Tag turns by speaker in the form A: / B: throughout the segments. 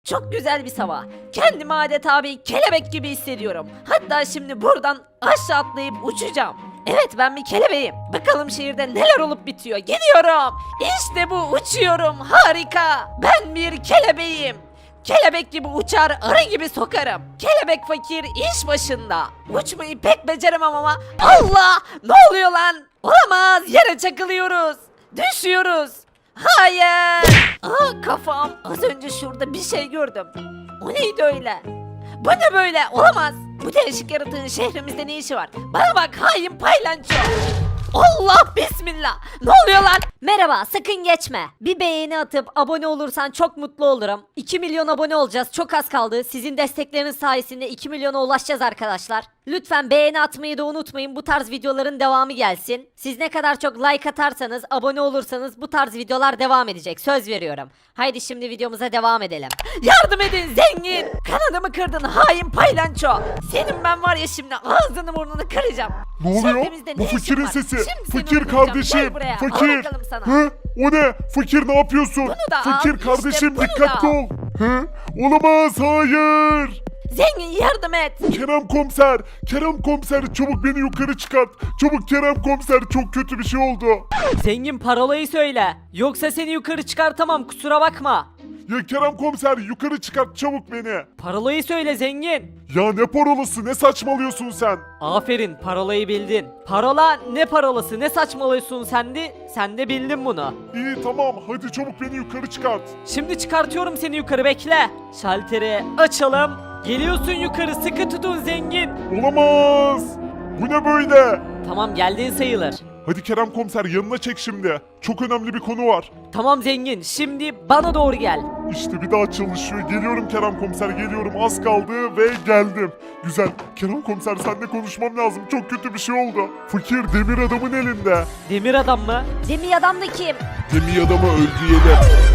A: Çok güzel bir sabah. Kendimi adeta bir kelebek gibi hissediyorum. Hatta şimdi buradan aşağı atlayıp uçacağım. Evet, ben bir kelebeğim. Bakalım şehirde neler olup bitiyor. Gidiyorum. İşte bu, uçuyorum. Harika. Ben bir kelebeğim. Kelebek gibi uçar, arı gibi sokarım. Kelebek fakir iş başında. Uçmayı pek beceremem ama Allah! Ne oluyor lan? Olamaz, yere çakılıyoruz. Düşüyoruz. Hayır! Aa, kafam. Az önce şurada bir şey gördüm. O neydi öyle? Bu ne böyle? Olamaz. Bu değişik yaratığın şehrimizde ne işi var? Bana bak hain paylanço. Allah bismillah. Ne oluyor lan?
B: Merhaba, sakın geçme. Bir beğeni atıp abone olursan çok mutlu olurum. 2 milyon abone olacağız, çok az kaldı. Sizin destekleriniz sayesinde 2 milyona ulaşacağız arkadaşlar. Lütfen beğeni atmayı da unutmayın, bu tarz videoların devamı gelsin. Siz ne kadar çok like atarsanız, abone olursanız bu tarz videolar devam edecek, söz veriyorum. Haydi şimdi videomuza devam edelim.
A: Yardım edin zengin. Kanadımı kırdın hain paylanço. Senin ben var ya şimdi ağzını burnunu kıracağım.
C: Ne oluyor?
A: Şehrimizde
C: Bu
A: ne işin
C: fakirin
A: var?
C: sesi.
A: Şimdi seni
C: Fakir
A: öldüreceğim.
C: kardeşim.
A: Gel buraya. Al
C: Fakir.
A: bakalım sana.
C: Hı? O ne? Fakir ne yapıyorsun?
A: Bunu da
C: Fakir
A: al, işte
C: kardeşim
A: bunu
C: dikkatli
A: da al.
C: ol. Hı? Olamaz, hayır.
A: Zengin yardım et.
C: Kerem komiser. Kerem komiser çabuk beni yukarı çıkart. Çabuk Kerem komiser, çok kötü bir şey oldu.
A: Zengin parolayı söyle. Yoksa seni yukarı çıkartamam, kusura bakma.
C: Ya Kerem komiser, yukarı çıkart çabuk beni.
A: Parolayı söyle zengin.
C: Ya ne parolası, ne saçmalıyorsun sen?
A: Aferin, parolayı bildin. Parola ne parolası, ne saçmalıyorsun sen de bildin bunu.
C: İyi tamam, hadi çabuk beni yukarı çıkart.
A: Şimdi çıkartıyorum seni yukarı, bekle. Şalteri açalım. Geliyorsun yukarı, sıkı tutun zengin.
C: Olamaz. Bu ne böyle?
A: Tamam, geldiğin sayılır.
C: Hadi Kerem komiser, yanına çek şimdi. Çok önemli bir konu var.
A: Tamam zengin, şimdi bana doğru gel.
C: İşte bir daha çalışıyor. Geliyorum Kerem komiser, geliyorum. Az kaldı ve geldim. Güzel. Kerem komiser, seninle konuşmam lazım. Çok kötü bir şey oldu. Fakir demir adamın elinde.
A: Demir adam mı?
B: Demir adam da kim?
C: Demir adamı öldürelim.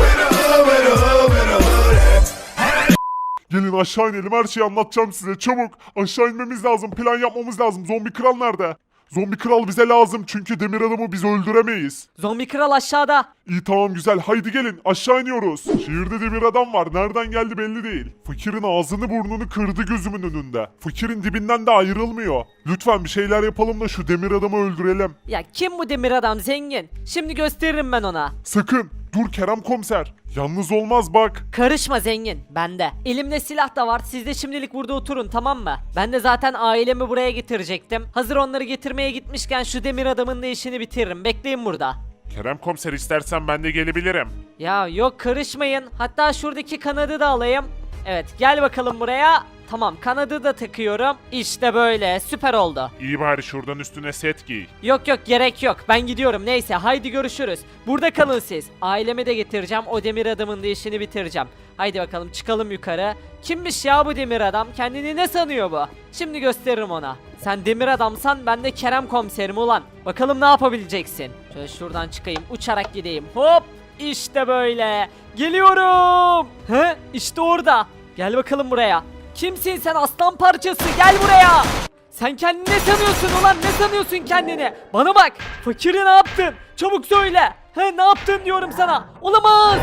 C: Gelin aşağı inelim, her şeyi anlatacağım size. Çabuk aşağı inmemiz lazım. Plan yapmamız lazım. Zombi kral nerede? Zombi kral bize lazım çünkü demir adamı biz öldüremeyiz.
A: Zombi kral aşağıda.
C: İyi tamam güzel, haydi gelin aşağı iniyoruz. Şehirde demir adam var, nereden geldi belli değil. Fakirin ağzını burnunu kırdı gözümün önünde. Fakirin dibinden de ayrılmıyor. Lütfen bir şeyler yapalım da şu demir adamı öldürelim.
A: Ya kim bu demir adam zengin? Şimdi gösteririm ben ona.
C: Sakın dur Kerem komiser, yalnız olmaz bak.
A: Karışma zengin, bende. Elimde silah da var, siz de şimdilik burada oturun, tamam mı? Ben de zaten ailemi buraya getirecektim. Hazır onları getirmeye gitmişken şu demir adamın da işini bitiririm, bekleyin burada.
C: Kerem komiser, istersen ben de gelebilirim.
A: Ya yok, karışmayın, hatta şuradaki kanadı da alayım. Evet, gel bakalım buraya. Tamam, kanadı da takıyorum. İşte böyle, süper oldu.
C: İyi bari şuradan üstüne set giy.
A: Yok yok, gerek yok, ben gidiyorum, neyse haydi görüşürüz. Burada kalın siz. Ailemi de getireceğim, o demir adamın da işini bitireceğim. Haydi bakalım çıkalım yukarı. Kimmiş ya bu demir adam? Kendini ne sanıyor bu? Şimdi gösteririm ona. Sen demir adamsan ben de Kerem komiserim ulan. Bakalım ne yapabileceksin? Şöyle şuradan çıkayım, uçarak gideyim. Hop! İşte böyle. Geliyorum. He? İşte orada. Gel bakalım buraya. Kimsin sen aslan parçası? Gel buraya. Sen kendini ne sanıyorsun ulan? Ne sanıyorsun kendini? Bana bak. Fakiri ne yaptın? Çabuk söyle. He, ne yaptın diyorum sana. Olamaz.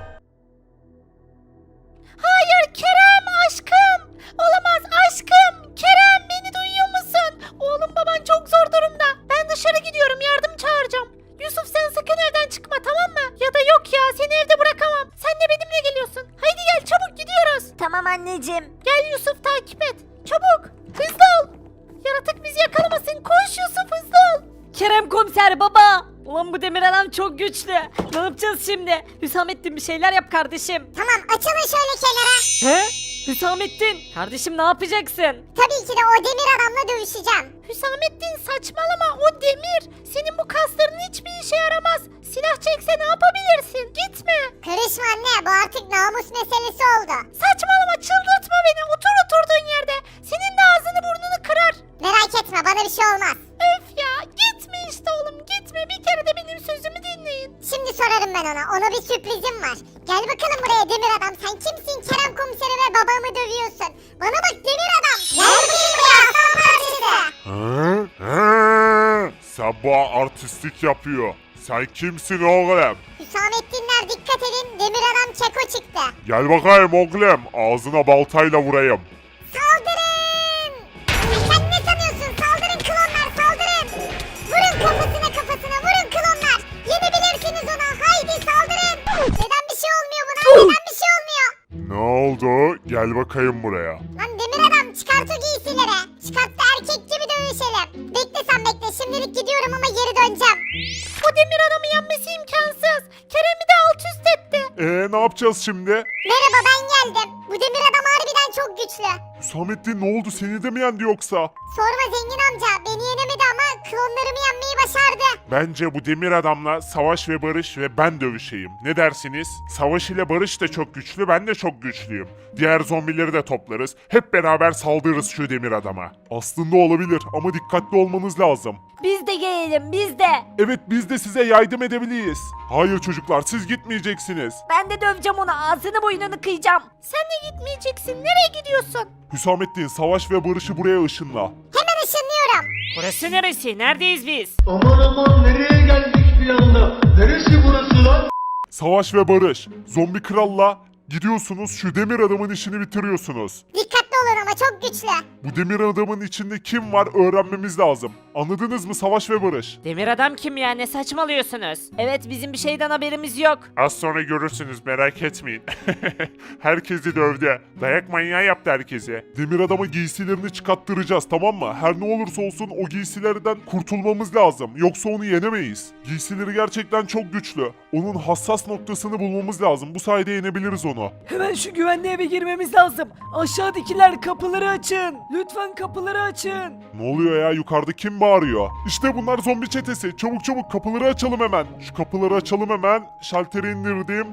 A: Hayır Kerem aşkım. Olamaz aşkım. Kerem, beni duyuyor musun? Oğlum, baban çok zor durumda. Ben dışarı gidiyorum, yardım çağıracağım. Yusuf, sen sakın evden çıkma, tamam mı? Ya da yok ya, seni evde bırakamam. Sen de benimle geliyorsun. Haydi gel, çabuk gidiyoruz.
B: Tamam anneciğim.
A: Gel Yusuf, takip et. Çabuk. Hızlı ol. Yaratık bizi yakalamasın. Koş Yusuf, hızlı ol. Kerem komiser baba. Ulan bu demir adam çok güçlü. Ne yapacağız şimdi? Hüsamettin, bir şeyler yap kardeşim.
D: Tamam, açılın şöyle kenara.
A: He? Hüsamettin. Kardeşim ne yapacaksın?
D: Tabii ki de o demir adamla dövüşeceğim.
A: Hüsamettin saçmalama, o demir. Senin bu kasların hiçbir işe yaramaz. Silah çekse ne yapabilirsin? Gitme.
D: Karışma anne, bu artık namus meselesi oldu.
A: Saçmalama, çıldırtma beni. Otur oturduğun yerde. Senin de ağzını burnunu kırar.
D: Merak etme, bana bir şey olmaz.
A: Öf ya, gitme işte oğlum, gitme. Bir kere de benim sözümü dinleyin.
D: Şimdi sorarım ben ona, ona bir sürprizim var. Gel bakalım buraya demir adam, sen kimsin? Kerem komiseri ve babamı dövüyorsun. Bana bak demir adam. Gel bakayım buraya aslan parçası.
C: Sabah artistlik yapıyor. Sen kimsin oğlum?
D: Hüsamettinler dikkat edin, demir adam Keko çıktı.
C: Gel bakayım oğlum. Ağzına baltayla vurayım.
D: Saldırın! Sen ne sanıyorsun? Saldırın klonlar saldırın! Vurun kafasına vurun klonlar! Yenebilirsiniz ona haydi saldırın! Neden bir şey olmuyor buna? Neden bir şey olmuyor?
C: Ne oldu? Gel bakayım buraya.
D: Lan demir adam çıkart o giysileri. Çıkart da erkek gibi dövüşelim. Bekle sen bekle şimdilik gidiyorum ama geri döneceğim.
B: Bu demir adamı yenmesi imkansız. Kerem'i de alt üst etti.
C: Ne yapacağız şimdi?
D: Merhaba ben geldim. Bu demir adam harbiden çok güçlü.
C: Hüsamettin ne oldu? Seni de mi yendi yoksa?
D: Sorma zengin amca beni yenemedi ama klonlarımı yenmeyi başardı.
C: Bence bu demir adamla Savaş ve Barış ve ben dövüşeyim. Ne dersiniz? Savaş ile Barış da çok güçlü, ben de çok güçlüyüm. Diğer zombileri de toplarız. Hep beraber saldırırız şu demir adama. Aslında olabilir ama dikkatli olmanız lazım.
B: Biz de gelelim biz de.
C: Evet biz de size yardım edebiliriz. Hayır çocuklar siz gitmeyeceksiniz.
B: Ben de döveceğim onu ağzını boynunu kıyacağım. Sen de gitmeyeceksin. Nereye gidiyorsun?
C: Hüsamettin Savaş ve Barış'ı buraya ışınla.
D: Hemen ışınlıyorum.
A: Burası neresi? Neredeyiz biz?
E: Aman aman nereye geldik bir anda? Neresi burası lan?
C: Savaş ve Barış, zombi kralla gidiyorsunuz şu demir adamın işini bitiriyorsunuz.
D: Dikkatli olun ama çok güçlü.
C: Bu demir adamın içinde kim var öğrenmemiz lazım. Anladınız mı Savaş ve Barış?
A: Demir adam kim ya? Ne saçmalıyorsunuz?
B: Evet bizim bir şeyden haberimiz yok.
C: Az sonra görürsünüz merak etmeyin. Herkesi dövdü. Dayak manyağı yaptı herkese. Demir adama giysilerini çıkarttıracağız tamam mı? Her ne olursa olsun o giysilerden kurtulmamız lazım. Yoksa onu yenemeyiz. Giysileri gerçekten çok güçlü. Onun hassas noktasını bulmamız lazım. Bu sayede yenebiliriz onu.
F: Hemen şu güvenli eve girmemiz lazım. Aşağıdakiler kapıları açın. Lütfen kapıları açın.
C: Ne oluyor ya yukarıda kim bağırıyor? İşte bunlar zombi çetesi. Çabuk çabuk kapıları açalım hemen. Şu kapıları açalım hemen. Şalteri indirdim.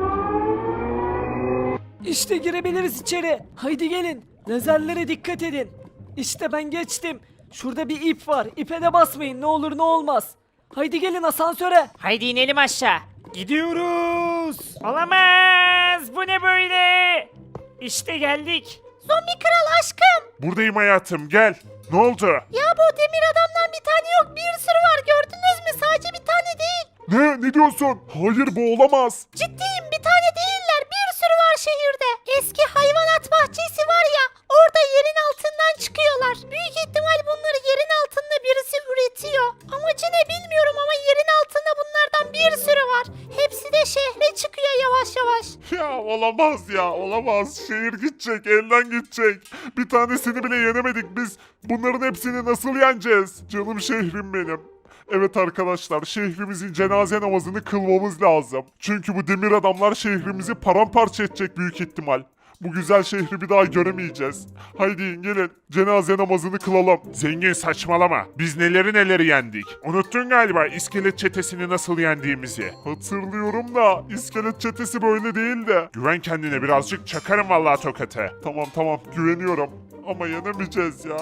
F: İşte girebiliriz içeri. Haydi gelin. Lazerlere dikkat edin. İşte ben geçtim. Şurada bir ip var. İpe de basmayın ne olur ne olmaz. Haydi gelin asansöre.
A: Haydi inelim aşağı. Gidiyoruz. Olamaz. Bu ne böyle? İşte geldik.
B: Zombi kral aşkım.
C: Buradayım hayatım gel. Ne oldu?
B: Ya bu demir adamdan bir tane yok bir sürü var gördünüz mü? Sadece bir tane değil.
C: Ne diyorsun? Hayır bu olamaz.
B: Ciddiyim bir tane değiller bir sürü var şehirde. Eski hayvanat bahçesi var ya orada yerin altından çıkıyorlar. Büyük ihtimal bunları yerin altında birisi üretiyor. Amacı ne bilmiyorum ama yerin altında bunlardan bir sürü var. Hepsi de şehre çıkıyor yavaş yavaş.
C: Ya olamaz ya olamaz. Şehir gidecek elden gidecek. Bir tanesini bile yenemedik biz. Bunların hepsini nasıl yeneceğiz? Canım şehrim benim. Evet arkadaşlar şehrimizin cenaze namazını kılmamız lazım. Çünkü bu demir adamlar şehrimizi paramparça edecek büyük ihtimal. Bu güzel şehri bir daha göremeyeceğiz. Haydi gelin cenaze namazını kılalım. Zengin saçmalama. Biz neleri yendik. Unuttun galiba iskelet çetesini nasıl yendiğimizi. Hatırlıyorum da iskelet çetesi böyle değildi. Güven kendine birazcık çakarım vallahi tokatı. Tamam güveniyorum. Ama yenemeyeceğiz ya.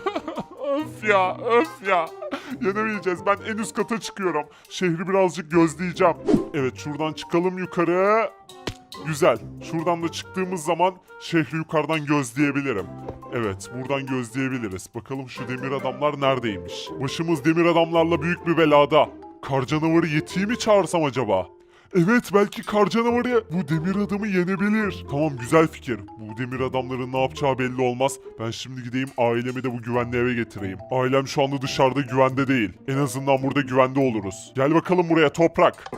C: Öf ya. Yenemeyeceğiz. Ben en üst kata çıkıyorum. Şehri birazcık gözleyeceğim. Evet şuradan çıkalım yukarı. Güzel. Şuradan da çıktığımız zaman şehri yukarıdan gözleyebilirim. Evet buradan gözleyebiliriz. Bakalım şu demir adamlar neredeymiş? Başımız demir adamlarla büyük bir belada. Kar canavarı Yeti'yi mi çağırsam acaba? Evet belki kar canavarı bu demir adamı yenebilir. Tamam güzel fikir. Bu demir adamların ne yapacağı belli olmaz. Ben şimdi gideyim ailemi de bu güvenli eve getireyim. Ailem şu anda dışarıda güvende değil. En azından burada güvende oluruz. Gel bakalım buraya toprak.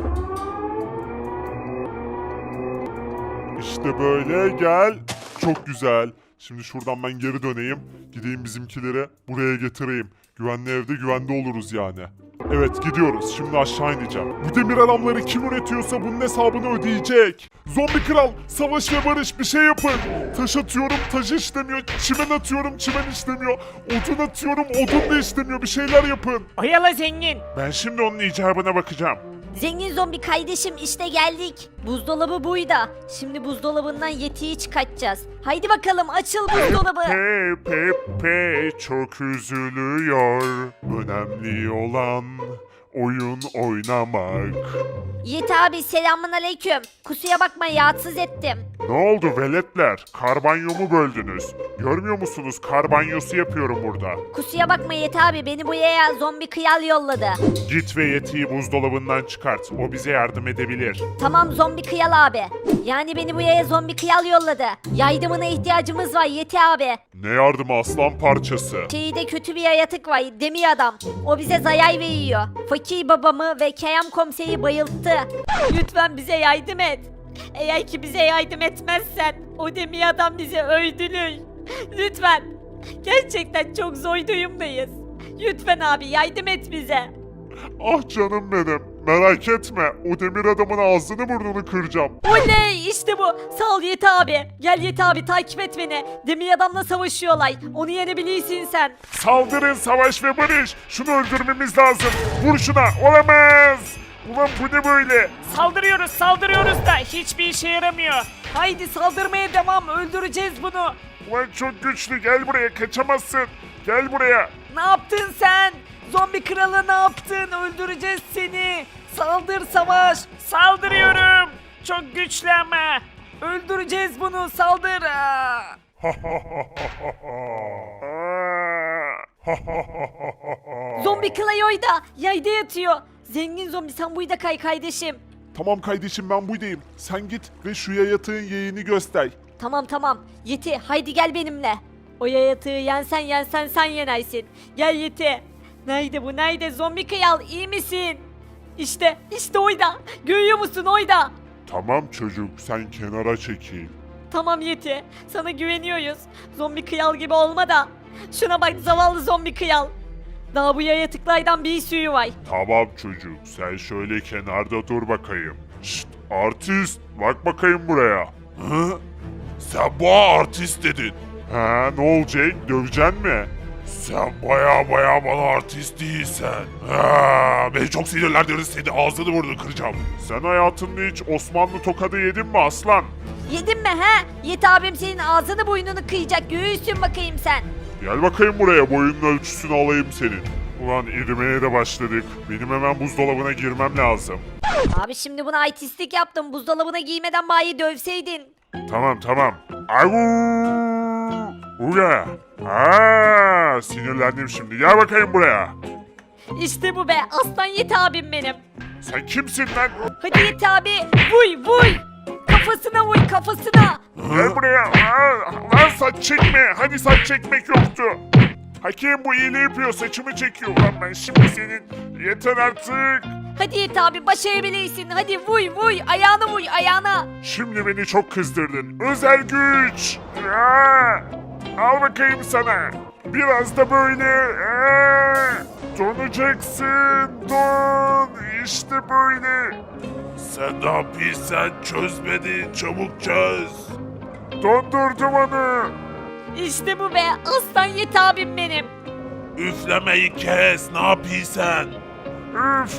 C: İşte böyle gel. Çok güzel. Şimdi şuradan ben geri döneyim. Gideyim bizimkileri buraya getireyim. Güvenli evde güvende oluruz yani. Evet gidiyoruz. Şimdi aşağı ineceğim. Bu demir adamları kim üretiyorsa bunun hesabını ödeyecek. Zombi kral, savaş ve barış bir şey yapın. Taş atıyorum, taş işlemiyor. Çimen atıyorum, çimen işlemiyor. Odun atıyorum, odun da işlemiyor. Bir şeyler yapın.
A: Oyala zengin.
C: Ben şimdi onun icabına bakacağım.
B: Zengin zombi kardeşim işte geldik. Buzdolabı buydu. Şimdi buzdolabından Yeti'yi çıkartacağız. Haydi bakalım açıl buzdolabı.
C: Pepe çok üzülüyor. Önemli olan oyun oynamak.
B: Yiğit abi selamun aleyküm. Kusura bakma rahatsız ettim.
C: Ne oldu veletler? Kar banyomu böldünüz. Görmüyor musunuz? Kar banyosu yapıyorum burada.
B: Kusura bakma Yiğit abi beni buraya zombi kıyal yolladı.
C: Git ve Yeti'yi buzdolabından çıkart. O bize yardım edebilir.
B: Tamam zombi kıyal abi. Yani beni buraya zombi kıyal yolladı. Yardımına ihtiyacımız var Yeti abi.
C: Ne yardımı aslan parçası?
B: Şehirde kötü bir yaratık var demir adam. O bize zarar veriyor. Fakir babamı ve Kerem komiseri bayılttı.
A: Lütfen bize yardım et. Eğer ki bize yardım etmezsen o demir adam bizi öldürür. Lütfen. Gerçekten çok zor durumdayız. Lütfen abi yardım et bize.
C: Ah canım benim. Merak etme. O demir adamın ağzını burnunu kıracağım.
A: Oley işte bu. Sağ ol Yeti abi. Gel Yeti abi takip et beni. Demir adamla savaşıyorlar. Onu yenebilirsin sen.
C: Saldırın savaş ve barış. Şunu öldürmemiz lazım. Vur şuna. Olamaz. Ulan bu ne böyle?
F: Saldırıyoruz da hiçbir işe yaramıyor. Haydi saldırmaya devam, öldüreceğiz bunu.
C: Ulan çok güçlü. Gel buraya. Kaçamazsın. Gel buraya.
F: Ne yaptın sen? Zombi kralı ne yaptın? Öldüreceğiz seni. Saldır savaş. Saldırıyorum. Çok güçlü ama. Öldüreceğiz bunu. Saldır.
A: Zombi Clayo'yu da yayda yatıyor. Zengin zombi sen buyda kay kardeşim.
C: Tamam kardeşim ben buradayım. Sen git ve şu yayatığın yeğeni göster.
A: Tamam. Yeti haydi gel benimle. O yayatığı yensen sen yenersin. Gel Yeti. Nerede bu nerede zombi kıyal iyi misin? İşte oyda. Görüyor musun oyda?
C: Tamam çocuk sen kenara çekil.
A: Tamam Yeti. Sana güveniyoruz. Zombi kıyal gibi olma da. Şuna bak zavallı zombi kıyal. Daha bu yayatıklardan bir sürü var.
C: Tamam çocuk sen şöyle kenarda dur bakayım. Şşt artist bak bakayım buraya. Hı? Sen bu artist dedin. Ha ne olacak döveceksin mi? Sen baya bana artist değilsen. Ha, beni çok sinirlendirdin seni ağzını burnunu kıracağım. Sen hayatında hiç Osmanlı tokadı yedin mi aslan?
B: Yedin mi he? Yeti abim senin ağzını boynunu kıyacak. Göğüsün bakayım sen.
C: Gel bakayım buraya boyunun ölçüsünü alayım senin. Ulan erimeye de başladık. Benim hemen buzdolabına girmem lazım.
B: Abi şimdi buna artistlik yaptım. Buzdolabına giymeden bayi dövseydin.
C: Tamam. Avu! Uga! Aa, sinirlendim şimdi. Gel bakayım buraya.
A: İşte bu be aslan Yeti abim benim.
C: Sen kimsin lan?
A: Hadi Yeti abi vuy. Kafasına vuy kafasına.
C: Gel buraya. Aa, lan saç çekme. Hani saç çekmek yoktu. Hakem bu iyiliği yapıyor. Saçımı çekiyor. Lan ben şimdi senin. Yeter artık.
A: Hadi Yeti abi başarabilirsin. Hadi vuy ayağına vuy ayağına.
C: Şimdi beni çok kızdırdın. Özel güç. Aa, al bakayım sana. Biraz da böyle. Donacaksın. Don. İşte böyle. Sen ne yapıyorsan çöz beni. Çabuk çöz. Dondurdum onu.
A: İşte bu be aslan Yeti abim benim.
C: Üflemeyi kes. Ne yapıyorsan? Üf.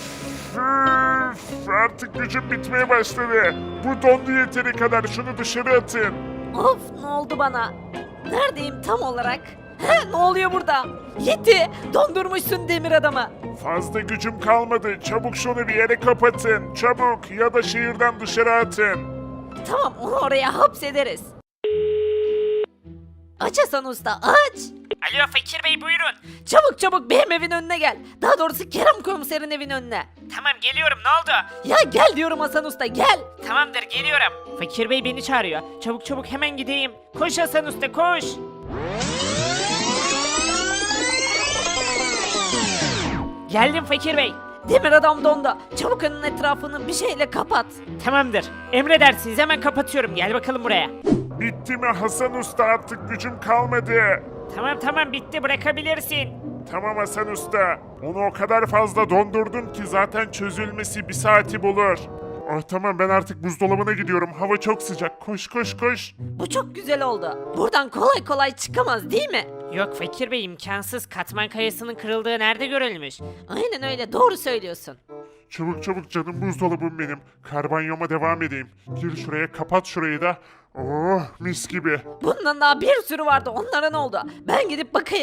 C: Artık gücüm bitmeye başladı. Bu dondu yeteri kadar. Şunu dışarı atın.
A: Of ne oldu bana? Neredeyim tam olarak? He ne oluyor burada? Yeti dondurmuşsun demir adamı.
C: Fazla gücüm kalmadı. Çabuk şunu bir yere kapatın. Çabuk ya da şehirden dışarı atın.
A: Tamam onu oraya hapsederiz. Aç Hasan Usta aç.
F: Alo Fakir Bey buyurun.
A: Çabuk benim evin önüne gel. Daha doğrusu Kerem komiserin evin önüne.
F: Tamam geliyorum ne oldu?
A: Ya gel diyorum Hasan Usta gel.
F: Tamamdır geliyorum. Fakir Bey beni çağırıyor. Çabuk hemen gideyim. Koş Hasan Usta koş. Geldim Fakir Bey.
A: Demir adam dondu. Çabuk önün etrafını bir şeyle kapat.
F: Tamamdır. Emredersiniz hemen kapatıyorum. Gel bakalım buraya.
C: Bitti mi Hasan Usta artık gücüm kalmadı.
F: Tamam bitti bırakabilirsin.
C: Tamam Hasan Usta. Onu o kadar fazla dondurdum ki zaten çözülmesi bir saati bulur. Oh tamam ben artık buzdolabına gidiyorum. Hava çok sıcak. Koş.
A: Bu çok güzel oldu. Buradan kolay çıkamaz değil mi?
F: Yok Fakir Bey imkansız. Katman kayasının kırıldığı nerede görülmüş?
A: Aynen öyle doğru söylüyorsun.
C: Çabuk canım buzdolabım benim. Karbanyoma devam edeyim. Gir şuraya kapat şurayı da. Oh mis gibi.
A: Bundan daha bir sürü vardı onlara ne oldu? Ben gidip bakayım.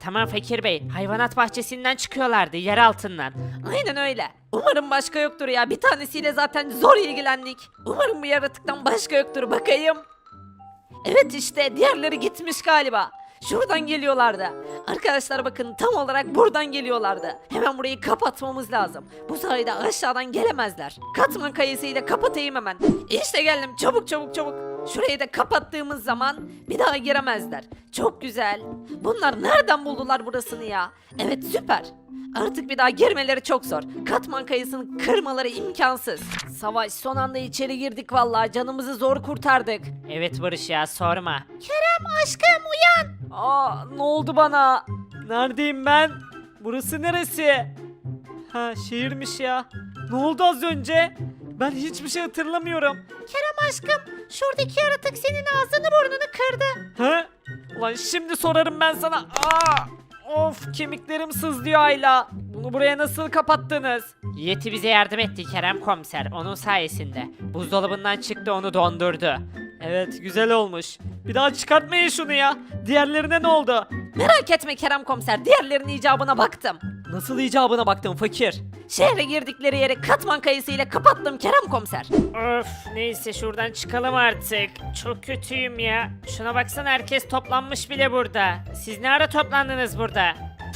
A: Tamam Fakir Bey, hayvanat bahçesinden çıkıyorlardı, yer altından. Aynen öyle. Umarım başka yoktur ya, bir tanesiyle zaten zor ilgilendik. Umarım bu yaratıktan başka yoktur, bakayım. Evet işte diğerleri gitmiş galiba. Şuradan geliyorlardı. Arkadaşlar bakın tam olarak buradan geliyorlardı. Hemen burayı kapatmamız lazım. Bu sayede aşağıdan gelemezler. Katman kayısıyla kapatayım hemen. İşte geldim, çabuk çabuk çabuk. Şurayı da kapattığımız zaman bir daha giremezler. Çok güzel. Bunlar nereden buldular burasını ya? Evet süper. Artık bir daha girmeleri çok zor. Katman kayısını kırmaları imkansız. Savaş, son anda içeri girdik vallahi, canımızı zor kurtardık. Evet Barış ya, sorma. Kerem aşkım uyan.
F: Aa, ne oldu bana? Neredeyim ben? Burası neresi? Ha, şehirmiş ya. Ne oldu az önce? Ben hiçbir şey hatırlamıyorum.
A: Kerem aşkım, şuradaki yaratık senin ağzını burnunu kırdı.
F: Ha? Ulan şimdi sorarım ben sana. Aa! Of, kemiklerim sızlıyor Ayla. Bunu buraya nasıl kapattınız?
A: Yeti bize yardım etti Kerem komiser, onun sayesinde. Buzdolabından çıktı, onu dondurdu.
F: Evet, güzel olmuş. Bir daha çıkartmayın şunu ya. Diğerlerine ne oldu?
A: Merak etme Kerem komiser, diğerlerinin icabına baktım.
F: Nasıl icabına baktın fakir?
A: Şehre girdikleri yeri katman kayısıyla kapattım Kerem komiser.
G: Öf, neyse şuradan çıkalım artık. Çok kötüyüm ya. Şuna baksana, herkes toplanmış bile burada. Siz ne ara toplandınız burada?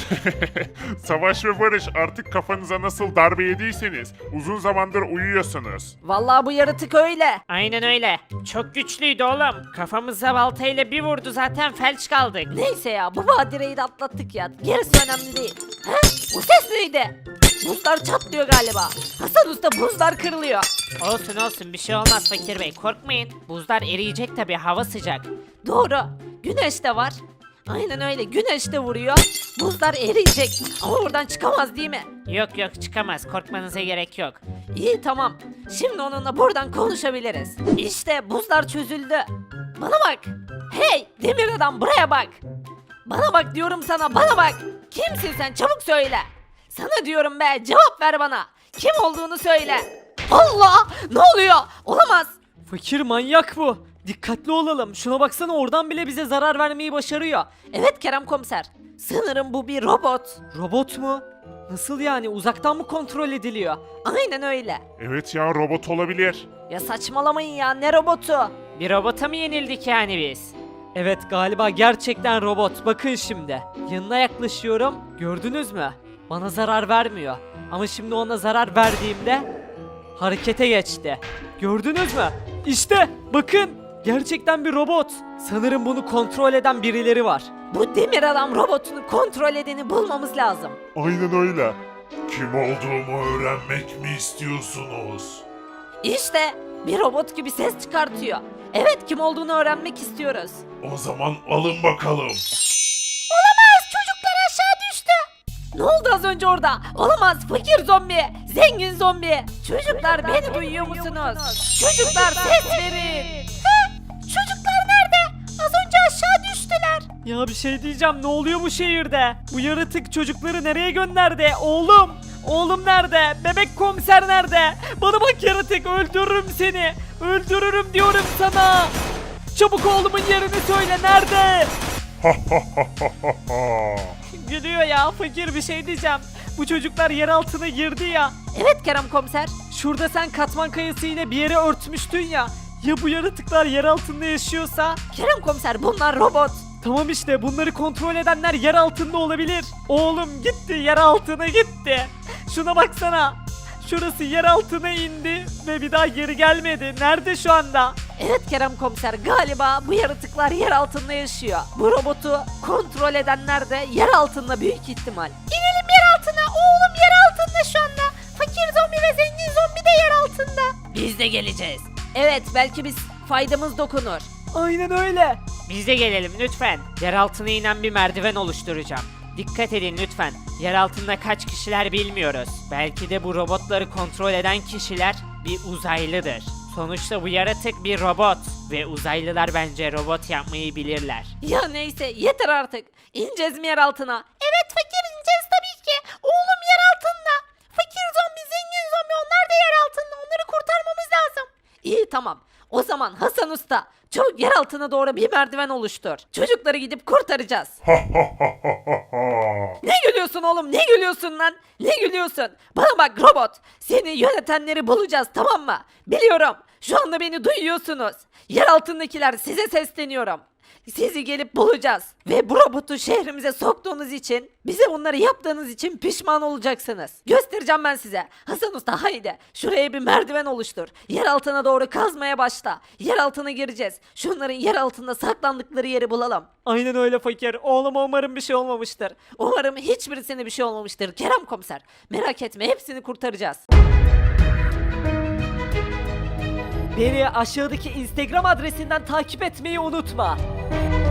C: Savaş ve Barış, artık kafanıza nasıl darbe yediyseniz uzun zamandır uyuyorsunuz.
A: Vallahi bu yaratık öyle.
G: Aynen öyle. Çok güçlüydü oğlum. Kafamıza baltayla bir vurdu, zaten felç kaldık.
A: Neyse ya, bu badireyi de atlattık ya. Gerisi önemli değil. Ha? Bu ses neydi? Buzlar çatlıyor galiba. Hasan Usta, buzlar kırılıyor.
G: Olsun olsun, bir şey olmaz Fakir Bey, korkmayın. Buzlar eriyecek tabi, hava sıcak.
A: Doğru. Güneş de var. Aynen öyle, güneş de vuruyor. Buzlar eriyecek. Ama buradan çıkamaz değil mi?
G: Yok yok, çıkamaz, korkmanıza gerek yok.
A: İyi tamam. Şimdi onunla buradan konuşabiliriz. İşte buzlar çözüldü. Bana bak. Hey demir adam, buraya bak. Bana bak diyorum sana, bana bak. Kimsin sen, çabuk söyle. Sana diyorum be, cevap ver bana. Kim olduğunu söyle. Allah, ne oluyor? Olamaz.
F: Fakir manyak bu. Dikkatli olalım. Şuna baksana, oradan bile bize zarar vermeyi başarıyor.
A: Evet Kerem komiser. Sanırım bu bir robot.
F: Robot mu? Nasıl yani? Uzaktan mı kontrol ediliyor?
A: Aynen öyle.
C: Evet ya, robot olabilir.
A: Ya saçmalamayın ya, ne robotu?
G: Bir robota mı yenildik yani biz?
F: Evet, galiba gerçekten robot. Bakın şimdi. Yanına yaklaşıyorum. Gördünüz mü? Bana zarar vermiyor. Ama şimdi ona zarar verdiğimde harekete geçti. Gördünüz mü? İşte bakın. Gerçekten bir robot. Sanırım bunu kontrol eden birileri var.
A: Bu demir adam robotunu kontrol edeni bulmamız lazım.
C: Aynen öyle. Kim olduğumu öğrenmek mi istiyorsunuz?
A: İşte bir robot gibi ses çıkartıyor. Evet, kim olduğunu öğrenmek istiyoruz.
C: O zaman alın bakalım.
A: Olamaz, çocuklar aşağı düştü. Ne oldu az önce orada? Olamaz, fakir zombi, zengin zombi. Çocuklar beni duyuyor musunuz? Çocuklar ses verin. Çocuklar nerede? Az önce aşağı düştüler.
F: Ya bir şey diyeceğim, ne oluyor bu şehirde? Bu yaratık çocukları nereye gönderdi? Oğlum! Oğlum nerede? Bebek komiser nerede? Bana bak yaratık, öldürürüm seni. Öldürürüm diyorum sana. Çabuk oğlumun yerini söyle, nerede? Gülüyor ya fakir, bir şey diyeceğim. Bu çocuklar yer altına girdi ya.
A: Evet Kerem komiser.
F: Şurada sen katman kayası ile bir yere örtmüştün ya. Ya bu yaratıklar yer altında yaşıyorsa?
A: Kerem komiser, bunlar robot.
F: Tamam işte, bunları kontrol edenler yer altında olabilir. Oğlum gitti, yer altına gitti. Şuna baksana. Şurası yer altına indi ve bir daha geri gelmedi. Nerede şu anda?
A: Evet Kerem komiser, galiba bu yaratıklar yer altında yaşıyor. Bu robotu kontrol edenler de yer altında büyük ihtimal. İnelim yer altına, oğlum yer altında şu anda. Fakir zombi ve zengin zombi de yer altında. Biz de geleceğiz. Evet, belki biz faydamız dokunur.
F: Aynen öyle.
G: Biz de gelelim lütfen. Yer altına inen bir merdiven oluşturacağım. Dikkat edin lütfen. Yer altında kaç kişiler bilmiyoruz. Belki de bu robotları kontrol eden kişiler bir uzaylıdır. Sonuçta bu yaratık bir robot ve uzaylılar bence robot yapmayı bilirler.
A: Ya neyse, yeter artık. İneceğiz mi yer altına? Evet fakir, ineceğiz tabii ki. Oğlum yer altında. Fakir zombi, zengin zombi, onlar da yer altında. Onları kurtarmamız lazım. İyi tamam. O zaman Hasan Usta çabuk yer altına doğru bir merdiven oluştur. Çocukları gidip kurtaracağız. Ne gülüyorsun oğlum, ne gülüyorsun lan? Ne gülüyorsun? Bana bak robot, seni yönetenleri bulacağız, tamam mı? Biliyorum, şu anda beni duyuyorsunuz. Yer altındakiler, size sesleniyorum. Sizi gelip bulacağız. Ve bu robotu şehrimize soktuğunuz için, bize bunları yaptığınız için pişman olacaksınız. Göstereceğim ben size. Hasan Usta haydi. Şuraya bir merdiven oluştur. Yer altına doğru kazmaya başla. Yer altına gireceğiz. Şunların yer altında saklandıkları yeri bulalım.
F: Aynen öyle fakir. Oğluma umarım bir şey olmamıştır.
A: Umarım hiçbirisine bir şey olmamıştır Kerem Komiser. Merak etme, hepsini kurtaracağız.
F: Beni aşağıdaki Instagram adresinden takip etmeyi unutma.